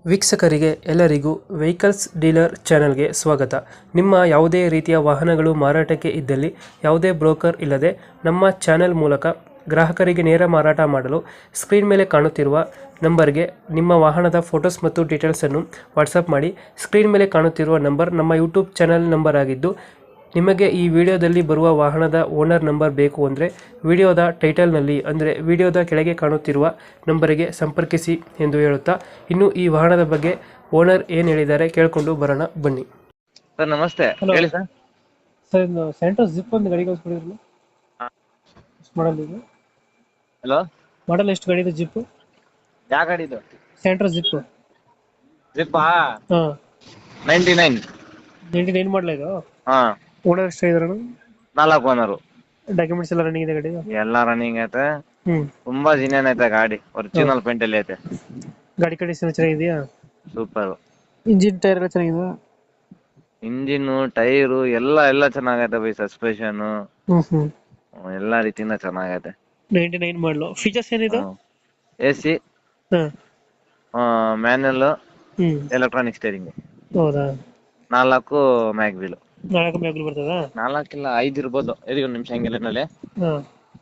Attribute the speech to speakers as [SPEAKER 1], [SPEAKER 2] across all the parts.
[SPEAKER 1] ವೀಕ್ಷಕರಿಗೆ ಎಲ್ಲರಿಗೂ vehicles dealer ಚಾನೆಲ್ಗೆ ಸ್ವಾಗತ. ನಿಮ್ಮ ಯಾವುದೇ ರೀತಿಯ ವಾಹನಗಳು ಮಾರಾಟಕ್ಕೆ ಇದ್ದಲ್ಲಿ ಯಾವುದೇ ಬ್ರೋಕರ್ ಇಲ್ಲದೆ ನಮ್ಮ ಚಾನೆಲ್ ಮೂಲಕ ಗ್ರಾಹಕರಿಗೆ ನೇರ ಮಾರಾಟ ಮಾಡಲು ಸ್ಕ್ರೀನ್ ಮೇಲೆ ಕಾಣುತ್ತಿರುವ ನಂಬರ್ಗೆ ನಿಮ್ಮ ವಾಹನದ ಫೋಟೋಸ್ ಮತ್ತು ಡೀಟೇಲ್ಸನ್ನು ವಾಟ್ಸಪ್ ಮಾಡಿ. ಸ್ಕ್ರೀನ್ ಮೇಲೆ ಕಾಣುತ್ತಿರುವ ನಂಬರ್ ನಮ್ಮ ಯೂಟ್ಯೂಬ್ ಚಾನೆಲ್ ನಂಬರ್ ಆಗಿದ್ದು, ನಿಮಗೆ ಈ ವಿಡಿಯೋದಲ್ಲಿ ಬರುವ ವಾಹನದ ಓನರ್ ನಂಬರ್ ಬೇಕು ಅಂದರೆ ವಿಡಿಯೋದ ಟೈಟಲ್ನಲ್ಲಿ ಅಂದರೆ ವಿಡಿಯೋದ ಕೆಳಗೆ ಕಾಣುತ್ತಿರುವ ನಂಬರಿಗೆ ಸಂಪರ್ಕಿಸಿ ಎಂದು ಹೇಳುತ್ತಾ, ಇನ್ನು ಈ ವಾಹನದ ಬಗ್ಗೆ ಓನರ್ ಏನು ಹೇಳಿದ್ದಾರೆ ಕೇಳಿಕೊಂಡು ಬರೋಣ ಬನ್ನಿ.
[SPEAKER 2] ಸರ್ ನಮಸ್ತೆ.
[SPEAKER 1] Hello.
[SPEAKER 2] ಹೇಳಿ ಸರ್.
[SPEAKER 1] ಸರ್ ಇದು ಸೆಂಟ್ರೋಸ್ ಜಿಪ್ ಒಂದು ಗಾಡಿ ಕಳಿಸ್ಕೊಡಿದ್ರಲ್ಲ, ಮಾಡಲ್ ಇದು
[SPEAKER 2] ಹಲೋ,
[SPEAKER 1] ಮಾಡಲ್ ಎಷ್ಟು ಗಾಡಿ ಇದೆ ಜಿಪ್?
[SPEAKER 2] ಯಾವ ಗಾಡಿ ಇದು?
[SPEAKER 1] ಸೆಂಟ್ರೋಸ್ ಜಿಪ್.
[SPEAKER 2] ಜಿಪ್ಪಾ
[SPEAKER 1] ಹಾಂ,
[SPEAKER 2] 99.
[SPEAKER 1] 99 ಮಾಡಲ ಇದು.
[SPEAKER 2] ಹಾ,
[SPEAKER 1] ಓನರ್ ಎಷ್ಟು ಇದ್ರಣ?
[SPEAKER 2] 4 ಓನರು.
[SPEAKER 1] ಡಾಕ್ಯುಮೆಂಟ್ಸ್ ಎಲ್ಲ ರನ್ನಿಂಗ್ ಇದೆ ಗಾಡಿ?
[SPEAKER 2] ಎಲ್ಲ ರನ್ನಿಂಗ್ ಐತೆ.
[SPEAKER 1] ಹ್ಞೂ.
[SPEAKER 2] ತುಂಬಾ ಜಿನೇನ್ ಐತೆ ಗಾಡಿ. ಒರಿಜಿನಲ್ ಪೇಂಟ್ ಅಲ್ಲಿ ಐತೆ.
[SPEAKER 1] ಗಾಡಿ ಕಂಡೀಷನ್ ಚೆನ್ನಾಗಿದೆಯಾ?
[SPEAKER 2] ಸೂಪರ್.
[SPEAKER 1] ಇಂಜಿನ್ ಟೈರ್ ಎಲ್ಲ ಚೆನ್ನಾಗಿದೆ?
[SPEAKER 2] ಇಂಜಿನ್, ಟೈರು ಎಲ್ಲ ಚೆನ್ನಾಗೈತೆ ಬೈ. ಸಸ್ಪೆಷನ್
[SPEAKER 1] ಹ್ಞೂ.
[SPEAKER 2] ಎಲ್ಲಾ ರೀತಿಯಿಂದ ಚೆನ್ನಾಗೈತೆ.
[SPEAKER 1] 99 ಮಾಡಲು. ಫೀಚರ್ಸ್ ಏನಿದೆ?
[SPEAKER 2] AC,
[SPEAKER 1] ಹಾಂ.
[SPEAKER 2] ಮ್ಯಾನುವಲ್,
[SPEAKER 1] ಹ್ಞೂ.
[SPEAKER 2] ಎಲೆಕ್ಟ್ರಾನಿಕ್ ಸ್ಟೇರಿಂಗ್,
[SPEAKER 1] ಹೌದಾ?
[SPEAKER 2] 4 ಮ್ಯಾಗ್ ವೀಲ್.
[SPEAKER 1] 4 ಮ್ಯಾಗ್ಲು ಬರ್ತದಾ?
[SPEAKER 2] 4 ಇಲ್ಲ 5 ಇರ್ಬೋದು. ಇದೀಗ ಒಂದು ನಿಮಿಷ ಹಂಗಿಲ್ಲ ನಲ್ಲಿ.
[SPEAKER 1] ಹಾಂ.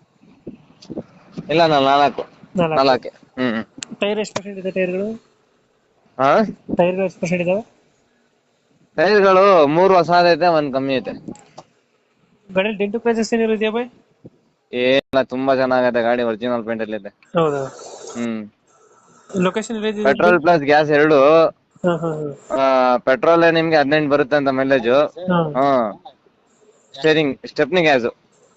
[SPEAKER 2] ಇಲ್ಲ 4. 4.
[SPEAKER 1] ಟೈರ್ ಎಷ್ಟು ಪರ್ಸೆಂಟ್ ಇದೆ ಟೈರ್ಗಳು?
[SPEAKER 2] ಹಾ,
[SPEAKER 1] ಟೈರ್ಗಳು ಎಷ್ಟು ಪರ್ಸೆಂಟ್ ಇದಾವೆ?
[SPEAKER 2] ಟೈರ್ಗಳು 3 ಹೊಸದೈತೆ, 1 ಕಮ್ಮಿ ಐತೆ.
[SPEAKER 1] ಗಾಡಿಯಲ್ಲಿ ಡೆಂಟು ಕ್ರಾಚಸ್ ಏನಿರೋ ಇದೆಯಾ ಬೈ?
[SPEAKER 2] ಏನಿಲ್ಲ, ತುಂಬಾ ಚೆನ್ನಾಗೈತೆ ಗಾಡಿ. ಒರಿಜಿನಲ್ ಪೇಂಟ್ ಅಲ್ಲಿ ಇದೆ.
[SPEAKER 1] ಹೌದಾ?
[SPEAKER 2] ಹ್ಮ್.
[SPEAKER 1] ಲೊಕೇಶನ್ ಇದೆ?
[SPEAKER 2] ಪೆಟ್ರೋಲ್ ಪ್ಲಸ್ ಗ್ಯಾಸ್ ಎರಡು.
[SPEAKER 1] ಹಾಂ ಹಾಂ
[SPEAKER 2] ಪೆಟ್ರೋಲ್ ನಿಮ್ಗೆ 18 ಬರುತ್ತೆ ಅಂತ ಮೈಲೇಜ್.
[SPEAKER 1] ಹಾಂ.
[SPEAKER 2] ಸ್ಟೇರಿಂಗ್ ಸ್ಟೆಪ್ನಿ ಗ್ಯಾಸ್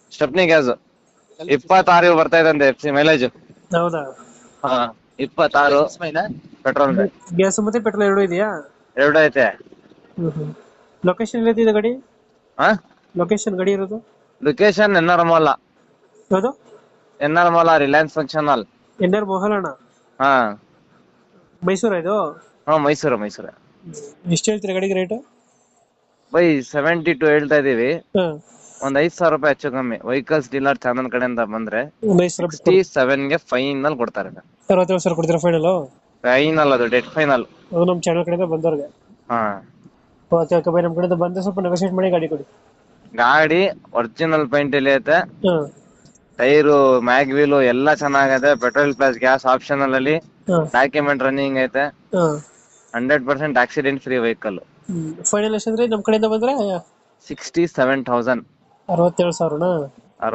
[SPEAKER 2] 26 ಬರ್ತಾ ಇದೆ ಅಂತ FC ಮೈಲೇಜ್.
[SPEAKER 1] ಹೌದಾ?
[SPEAKER 2] 26 ಪೆಟ್ರೋಲ್.
[SPEAKER 1] ಗ್ಯಾಸ್ ಮತ್ತೆ ಪೆಟ್ರೋಲ್ ಎರಡು ಇದೆಯಾ?
[SPEAKER 2] ಎರಡು ಐತೆ.
[SPEAKER 1] ಲೊಕೇಶನ್ ಎಲ್ಲಿದೆ ಗಾಡಿ?
[SPEAKER 2] ಹಾ,
[SPEAKER 1] ಲೊಕೇಶನ್ ಗಾಡಿ ಇರೋದು?
[SPEAKER 2] ಲೊಕೇಶನ್ NR
[SPEAKER 1] ಯಾವುದು?
[SPEAKER 2] Reliance function hall.
[SPEAKER 1] NR ಮೋಹಲಣ್ಣ.
[SPEAKER 2] ಹಾ,
[SPEAKER 1] ಮೈಸೂರ ಇದು?
[SPEAKER 2] ಮೈಸೂರು.
[SPEAKER 1] ಎಷ್ಟು ಹೇಳ್ತೀರಾ ಗಾಡಿಗೆ ರೇಟು?
[SPEAKER 2] ಬೈ 72 ಹೇಳ್ತಾ ಇದೀವಿ.
[SPEAKER 1] ಹಾಂ.
[SPEAKER 2] ಒಂದ್ 5,000 ರೂಪಾಯಿ ಹೆಚ್ಚು ಕಮ್ಮಿ ವೆಹಿಕಲ್ಸ್ ಡೀಲರ್ ಚಾನಲ್ ಕಡೆಯಿಂದ ಬಂದ್ರೆ 67 ಗೆ ಫೈನಲ್ ಕೊಡ್ತಾರೆ.
[SPEAKER 1] 67,000 ಕೊಡ್ತೀರಾ ಫೈನಲ್?
[SPEAKER 2] ಫೈನಲ್, ಅದು ಡೆಡ್ ಫೈನಲ್.
[SPEAKER 1] ಅದು ನಮ್ಮ ಚಾನಲ್ ಕಡೆಯಿಂದ ಬಂದವ್ರಿಗೆ.
[SPEAKER 2] ಹಾ,
[SPEAKER 1] ಓಕೆ ಬೈ, ನಮ್ಮ ಕಡೆಯಿಂದ ಬಂದ್ರೆ ಸ್ವಲ್ಪ ನೆಗೋಷಿಯೇಟ್ ಮಾಡಿ ಗಾಡಿ ಕೊಡಿ.
[SPEAKER 2] ಗಾಡಿ ಒರಿಜಿನಲ್ ಪೇಂಟ್ ಇಲ್ಲಿ ಐತೆ.
[SPEAKER 1] ಹಾಂ.
[SPEAKER 2] ಟೈರು, ಮ್ಯಾಗ್ ವೀಲು ಎಲ್ಲ ಚೆನ್ನಾಗೈತೆ. ಪೆಟ್ರೋಲ್ ಪ್ಲಸ್ ಗ್ಯಾಸ್ ಆಪ್ಷನಲ್ ಅಲ್ಲಿ.
[SPEAKER 1] ಹಾಂ.
[SPEAKER 2] ಡಾಕ್ಯುಮೆಂಟ್ ರನ್ನಿಂಗ್ ಐತೆ.
[SPEAKER 1] ಹಾಂ.
[SPEAKER 2] 100% ಆಕ್ಸಿಡೆಂಟ್ ಫ್ರೀ ವೆಹಿಕಲ್.
[SPEAKER 1] ಫೈನಲ್ ಎಷ್ಟಂದ್ರೆ ನಮ್ಮ ಕಡೆಯಿಂದ ಬಂದ್ರೆ
[SPEAKER 2] 67,000.
[SPEAKER 1] 67,000ನಾ?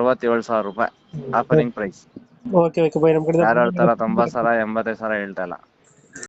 [SPEAKER 2] 67,000 ರೂಪಾಯಿ ಆಫರಿಂಗ್ ಪ್ರೈಸ್.
[SPEAKER 1] ಓಕೆ ಬೈ, ನಮ್ಮ ಕಡೆಯಿಂದ
[SPEAKER 2] ಯಾರು ಹೇಳ್ತಾರ 90,000 85,000 ಹೇಳ್ತಾ ಇಲ್ಲ.